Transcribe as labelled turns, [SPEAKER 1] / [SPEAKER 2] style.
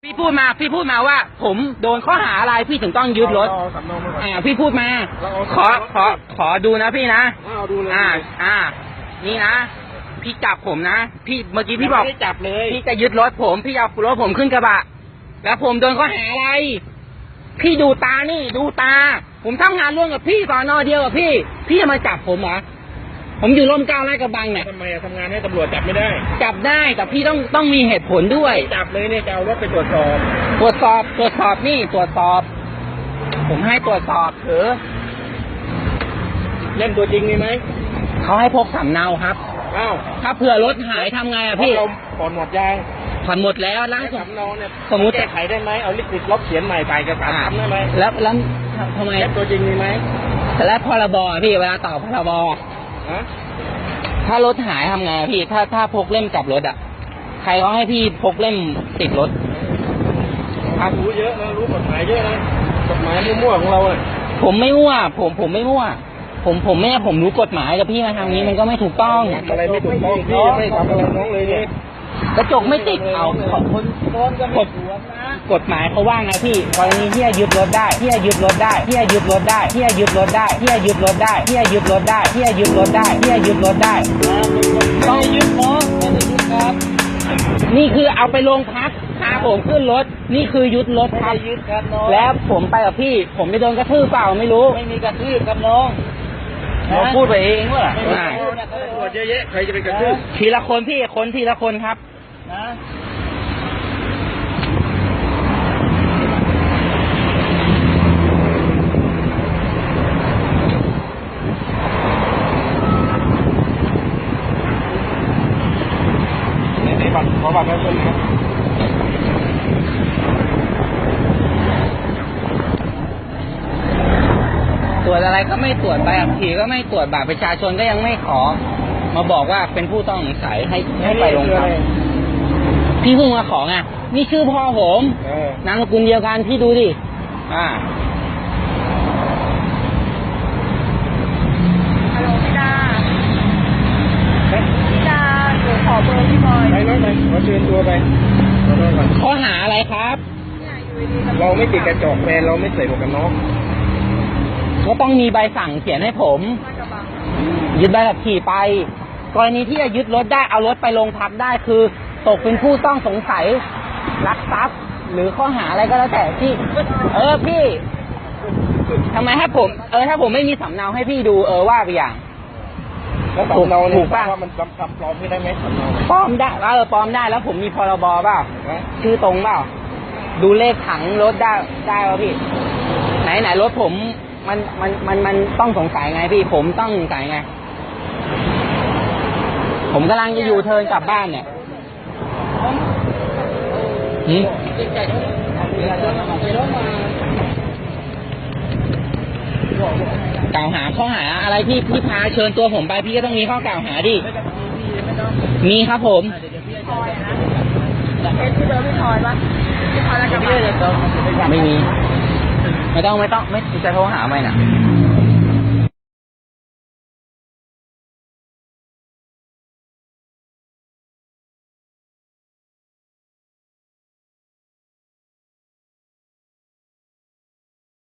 [SPEAKER 1] พี่พูดมาว่าผมโดนข้อหาอะไรพี่ถึงต้องยึดรถพี่พูดมาขอดูนะพี่นะนี่นะพี่จับผมนะพี่เมื่อกี้พี่บอกจับเลยพี่จะยึดรถผมพี่เอารถผมขึ้นกระบะแล้วผมโดนข้อหาอะไรพี่ดูตานี่ดูตาผมทำงานร่วมกับพี่สอนอเดียวกับพี่จะมาจับผมเหรอผมอยู่ร่มเกล้าลาดกระบังเนี่ย
[SPEAKER 2] ทำไมทำงานให้ตำรวจจับไม่ได้
[SPEAKER 1] จับได้แต่พี่ต้องมีเหตุผลด้วย
[SPEAKER 2] จับเลยเนี่ยจะเอารถไปตรวจสอบ
[SPEAKER 1] นี่ตรวจสอบผมให้ตรวจสอบ
[SPEAKER 2] เล่นตัวจริงมีไหม
[SPEAKER 1] เขาให้พกสำเนาครับ
[SPEAKER 2] อ้าว
[SPEAKER 1] ถ้าเผื่อรถหายทำไงอะพี่
[SPEAKER 2] ผ่อนหมดยัง
[SPEAKER 1] ผ่อนหมดแล้วล้าง
[SPEAKER 2] สำเนาเนี่ย
[SPEAKER 1] สมมติ
[SPEAKER 2] แก้ไขได้ไหมเอาลิขสิทธิ์ลบเขียนใหม่ใส่กระดาษทำได้ไหม
[SPEAKER 1] แล้วทำไม
[SPEAKER 2] เล่นตัวจริงมีไหม
[SPEAKER 1] แล้วพรบพี่เวลาต่อพรบถ้ารถหายทำไงพี่ถ้าพกเล่มจับรถอ่ะใครเขาให้พี่พกเล่มติดรถ
[SPEAKER 2] รู้เยอะนะรู้กฎหมายเยอะนะกฎหมายมั่วของเราอ่ะ
[SPEAKER 1] ผมไม่มั่วผมไม่มั่วผมรู้กฎหมายแต่พี่มาทำนี้มันก็ไม่ถูกต้อง
[SPEAKER 2] อะไรไม่ถูกต้องพี่ไม่ทำอะไรน้องเลยเนี่ย
[SPEAKER 1] กระจกไม่ติดเอากฎหมายเขาว่าไงพี่กรณีที่จะยึดรถได้ที่จะยึดรถได้ที่จะยึดรถได้ที่จะยึดรถได้ที่จะยึดรถได้ที่จะยึดรถได้ที่จะยึดรถได้ที่จะยึดรถได้
[SPEAKER 2] ต้องยึดเนาะไม่ได้ยึดครับ
[SPEAKER 1] นี่คือเอาไปโรงพักพาผมขึ้นรถนี่คือยึดรถครับแล้วผมไปกับพี่ผมไม่โดนกระทืบเปล่าไม่รู้
[SPEAKER 2] ไม่มีกระทืบครับน้อง
[SPEAKER 1] เราพูดไปเองว่า
[SPEAKER 2] ตำรวจเยอะๆใครจะไปกระทืบ
[SPEAKER 1] ทีละคนพี่ทีละคนครับ
[SPEAKER 2] นะขอบัตรประชาชนครับ
[SPEAKER 1] ตรวจอะไรก็ไม่ตรวจใบขับขี่ก็ไม่ตรวจบัตรประชาชนก็ยังไม่ขอมาบอกว่าเป็นผู้ต้องสงสัยให้ไปโรงพักพี่เพิ่งมาขอไงนี่ชื่อพ่อผมนามสกุลเดียวกันพี่ดูดิ
[SPEAKER 3] ฮัลโหลพี่ดาหนูขอเบอร์พี่บอย
[SPEAKER 2] ไปน้องไปขอเชิญตัวไป
[SPEAKER 1] ข้อหาอะไรครับ
[SPEAKER 2] เราไม่ติดกระจกแฟนเราไม่ใส่หมวกกันน็อก
[SPEAKER 1] ก็ต้องมีใบสั่งเขียนให้ผมยึดใบขับขี่ไปกรณีที่จะยึดรถได้เอารถไปโรงพักได้คือตกเป็นผู้ต้องสงสัยลักทรัพย์หรือข้อหาอะไรก็แล้วแต่พี่พี่ทำไมถ้าผมไม่มีสำเนาให้พี่ดูว่าไปอย่าง
[SPEAKER 2] แล้วสำเนาถูกป่ะว่ามันจำปลอมไม่ได้ไหมสำเนา
[SPEAKER 1] ปลอมได้ปลอมได้แล้วผมมีพรบเปล่าชื่อตรงเปล่าดูเลขถังรถได้ป่ะพี่ไหนรถผมมันต้องสงสัยไงพี่ผมต้องสงสัยไงผมกำลังจะอยู่เทิร์นกลับบ้านเนี่ยกล่าวหาข้อหาอะไรพี่พาเชิญตัวผมไปพี่ก็ต้องมีข้อกล่าวหาดิมีครับผม
[SPEAKER 3] ที่เบอร์พี่ทอยปะพี่ทอยแล้วกับ
[SPEAKER 1] ไม่มีไม่ต้องจะโทรหาไหมน่ะ